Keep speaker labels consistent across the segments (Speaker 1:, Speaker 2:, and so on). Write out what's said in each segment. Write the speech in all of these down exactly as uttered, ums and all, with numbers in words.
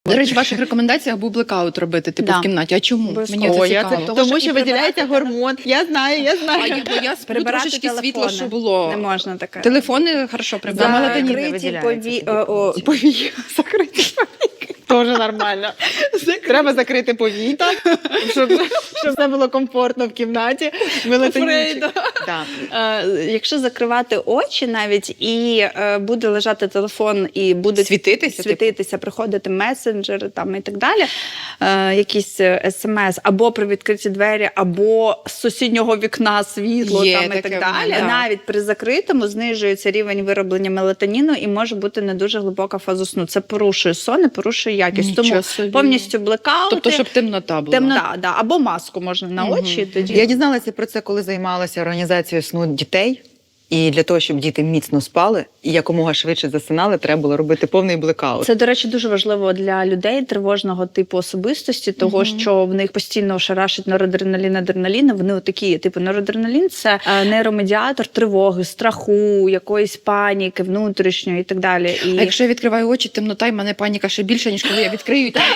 Speaker 1: До речі, в ваших рекомендаціях був блекаут робити, типу,
Speaker 2: Да.
Speaker 1: в кімнаті. А чому?
Speaker 2: Обов'язково.
Speaker 1: Мені це
Speaker 3: Ой, я
Speaker 1: цікаво.
Speaker 3: це, тому що виділяється гормон. Я знаю, я
Speaker 1: А
Speaker 3: знаю.
Speaker 1: я, бо я сплю
Speaker 2: Прибирати
Speaker 1: трошечки
Speaker 2: телефони.
Speaker 1: світло, що було.
Speaker 2: Не можна таке.
Speaker 1: Телефони хорошо прибрати.
Speaker 3: За мелатонін не
Speaker 2: Закриті
Speaker 3: виділяється
Speaker 2: пові...
Speaker 3: тоді.
Speaker 2: о, о,
Speaker 3: Повії закриті. Теж нормально. Треба закрити повіта, щоб, щоб все було комфортно в кімнаті. Мелатонінчик.
Speaker 2: Фрейда.
Speaker 3: Да.
Speaker 2: Е, якщо закривати очі навіть, і е, буде лежати телефон, і буде
Speaker 1: Світитися,
Speaker 2: світитися приходити месенджери там, і так далі, е, якісь смс, або при відкриті двері, або з сусіднього вікна світло
Speaker 1: Є
Speaker 2: там, і
Speaker 1: таке
Speaker 2: так
Speaker 1: в
Speaker 2: далі.
Speaker 1: мене, да.
Speaker 2: Навіть при закритому знижується рівень вироблення мелатоніну і може бути не дуже глибока фаза сну. Це порушує сон і порушує якість.
Speaker 1: Нічого
Speaker 2: Тому
Speaker 1: собі.
Speaker 2: повністю блекаути.
Speaker 1: Тобто, щоб темнота була.
Speaker 2: Темнота, да, або маску можна на очі. Тоді
Speaker 3: Я дізналася про це, коли займалася організацією сну дітей. І для того, щоб діти міцно спали і якомога швидше засинали, треба було робити повний блекаут.
Speaker 2: Це, до речі, дуже важливо для людей тривожного типу особистості, того,
Speaker 1: Мгм.
Speaker 2: що в них постійно шарашить норадреналін, адреналін. Вони отакі, типу, норадреналін – це е, нейромедіатор тривоги, страху, якоїсь паніки внутрішньої і так далі. І...
Speaker 1: А якщо я відкриваю очі, темнота, і в мене паніка ще більше, ніж коли я відкрию. Та...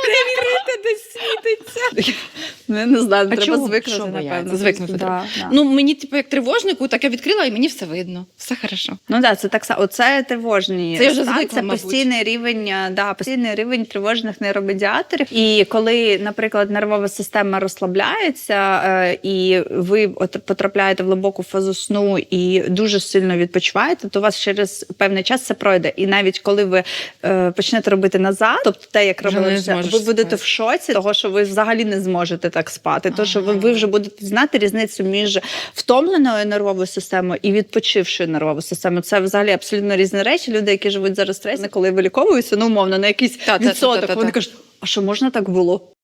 Speaker 2: десь світиться. Ну, я не знаю,
Speaker 3: А
Speaker 2: треба
Speaker 3: чого?
Speaker 2: звикнути,
Speaker 3: Що
Speaker 2: напевно.
Speaker 3: бояться?
Speaker 1: Звикнути
Speaker 2: Да,
Speaker 1: треба.
Speaker 2: да.
Speaker 1: Ну, мені, типу, як тривожнику, так я відкрила, і мені все видно. Все хорошо.
Speaker 2: Ну да, це так само. Оце тривожні
Speaker 1: Це я вже
Speaker 2: стан,
Speaker 1: звикла,
Speaker 2: це
Speaker 1: мабуть.
Speaker 2: постійний рівень, а, да, постійний рівень тривожних нейромедіаторів. І коли, наприклад, нервова система розслабляється, е, і ви от потрапляєте в глибоку фазу сну і дуже сильно відпочиваєте, то у вас через певний час це пройде. І навіть коли ви е, почнете робити назад, тобто те, як
Speaker 1: Вже
Speaker 2: робили,
Speaker 1: не
Speaker 2: все,
Speaker 1: зможеш
Speaker 2: ви будете
Speaker 1: спати.
Speaker 2: в шоці, того що ви взагалі не зможете так спати. То що ви, ви вже будете знати різницю між втомленою нервовою системою і відпочившою нервовою системою. Це взагалі абсолютно різні речі. Люди, які живуть зараз в стресі, коли виліковуються, ну умовно на якийсь
Speaker 1: Та-та-та-та-та-та.
Speaker 2: відсоток, вони кажуть, а що можна так було?